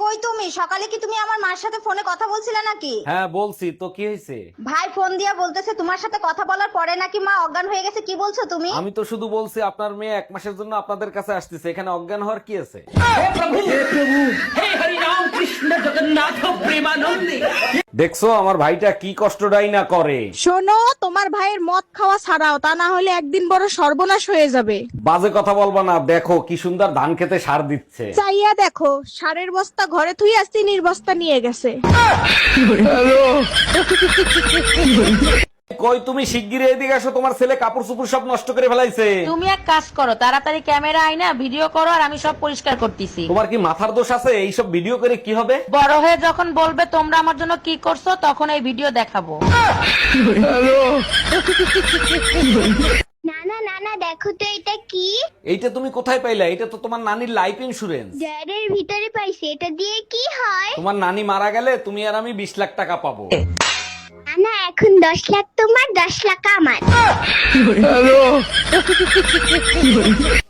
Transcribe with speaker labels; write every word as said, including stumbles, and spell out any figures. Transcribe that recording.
Speaker 1: কই তুমি? সকালে কি তুমি আমার মার সাথে ফোনে কথা বলছিলে নাকি?
Speaker 2: হ্যাঁ বলছি তো, কি হয়েছে?
Speaker 1: ভাই ফোন দিয়া বলতেছে তোমার সাথে কথা বলার পরে নাকি মা অজ্ঞান হয়ে গেছে। কি বলছো তুমি?
Speaker 2: আমি তো শুধু বলছি আপনার মেয়ে এক মাসের জন্য আপনাদের কাছে আসতেছে, এখানে অজ্ঞান হওয়ার কি আছে? দেখছো আমার ভাইটা কি কষ্টটাই না করে।
Speaker 3: শোনো, তোমার ভাইয়ের মদ খাওয়া ছাড়াও, তা না হলে একদিন বড় সর্বনাশ হয়ে যাবে।
Speaker 2: বাজে কথা বলবা না, দেখো কি সুন্দর ধান খেতে সার দিচ্ছে।
Speaker 3: চাইয়া দেখো, সারের বস্তা ঘরে থুই আসছি, নির্বস্তা নিয়ে গেছে।
Speaker 2: কই তুমি শিগগিরই এদিকে আসো, তোমার ছেলে কাপড় চোপড় সব নষ্ট করে ফেলাইছে।
Speaker 4: তুমি এক কাজ করো, তাড়াতাড়ি ক্যামেরা আইনা ভিডিও করো, আর আমি সব পরিষ্কার করতেছি।
Speaker 2: তোমার কি মাথার দোষ আছে? এইসব ভিডিও করে কি হবে?
Speaker 4: বড় হয়ে যখন বলবে তোমরা আমার জন্য কি করছো, তখন এই ভিডিও দেখাবো।
Speaker 5: নানা নানা দেখো তো এটা কি?
Speaker 2: এইটা তুমি কোথায় পাইলা? এটা তো তোমার নানির লাইফ ইন্সুরেন্স।
Speaker 5: জারের ভিতরে পাইছি, এটা দিয়ে কি হয়?
Speaker 2: তোমার নানি মারা গেলে তুমি আর আমি বিশ লাখ টাকা পাবো।
Speaker 5: নানা এখন দশ লাখ তোমার, দশ লাখ আমার।